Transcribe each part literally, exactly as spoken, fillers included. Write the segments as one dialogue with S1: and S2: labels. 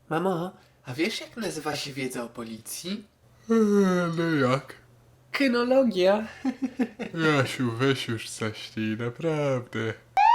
S1: Mamo, a wiesz jak nazywa się wiedza o policji?
S2: Eee, no jak?
S1: Kynologia.
S2: Jasiu, weź już zaśnij, naprawdę.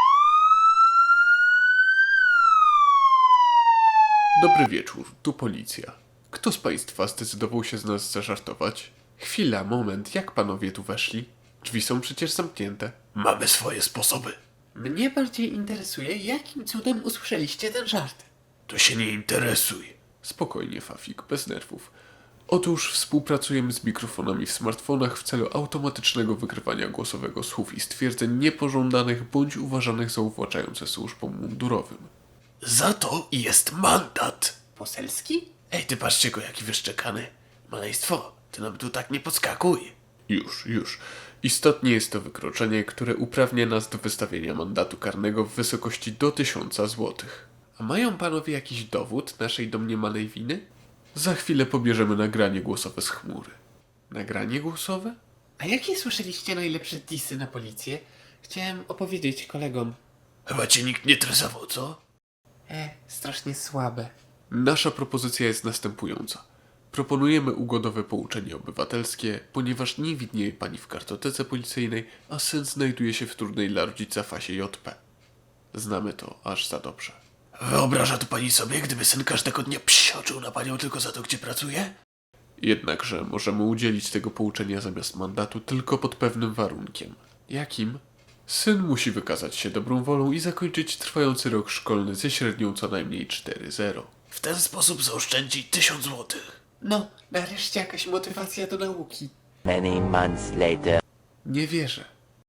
S2: Dobry wieczór, tu policja. Kto z państwa zdecydował się z nas zażartować? Chwila, moment, jak panowie tu weszli? Drzwi są przecież zamknięte. Mamy swoje sposoby.
S1: Mnie bardziej interesuje, jakim cudem usłyszeliście ten żart.
S2: To się nie interesuj. Spokojnie, Fafik, bez nerwów. Otóż współpracujemy z mikrofonami w smartfonach w celu automatycznego wykrywania głosowego słów i stwierdzeń niepożądanych bądź uważanych za uwłaczające służbom mundurowym. Za to jest mandat!
S1: Poselski?
S2: Ej, ty patrzcie go, jaki wyszczekany. Maleństwo, ty nam tu tak nie podskakuj. Już, już. Istotnie jest to wykroczenie, które uprawnia nas do wystawienia mandatu karnego w wysokości do tysiąca złotych. A mają panowie jakiś dowód naszej domniemanej winy? Za chwilę pobierzemy nagranie głosowe z chmury. Nagranie głosowe?
S1: A jakie słyszeliście najlepsze disy na policję? Chciałem opowiedzieć kolegom.
S2: Chyba cię nikt nie tresował, co?
S1: E, strasznie słabe.
S2: Nasza propozycja jest następująca. Proponujemy ugodowe pouczenie obywatelskie, ponieważ nie widnieje pani w kartotece policyjnej, a syn znajduje się w trudnej dla rodzica fazie J P. Znamy to aż za dobrze. Wyobraża to pani sobie, gdyby syn każdego dnia psioczył na panią tylko za to, gdzie pracuje? Jednakże możemy udzielić tego pouczenia zamiast mandatu tylko pod pewnym warunkiem. Jakim? Syn musi wykazać się dobrą wolą i zakończyć trwający rok szkolny ze średnią co najmniej cztery zero. W ten sposób zaoszczędzi tysiąc złotych.
S1: No, nareszcie jakaś motywacja do nauki.
S3: Many months later.
S2: Nie wierzę.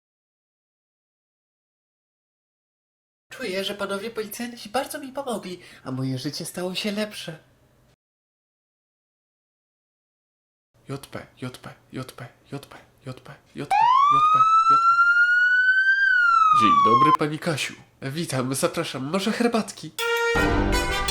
S1: Czuję, że panowie policjanci bardzo mi pomogli, a moje życie stało się lepsze.
S2: J P, J P, J P, J P, J P, J P, J P, J P. Dzień dobry, pani Kasiu.
S1: Witam, zapraszam, może herbatki?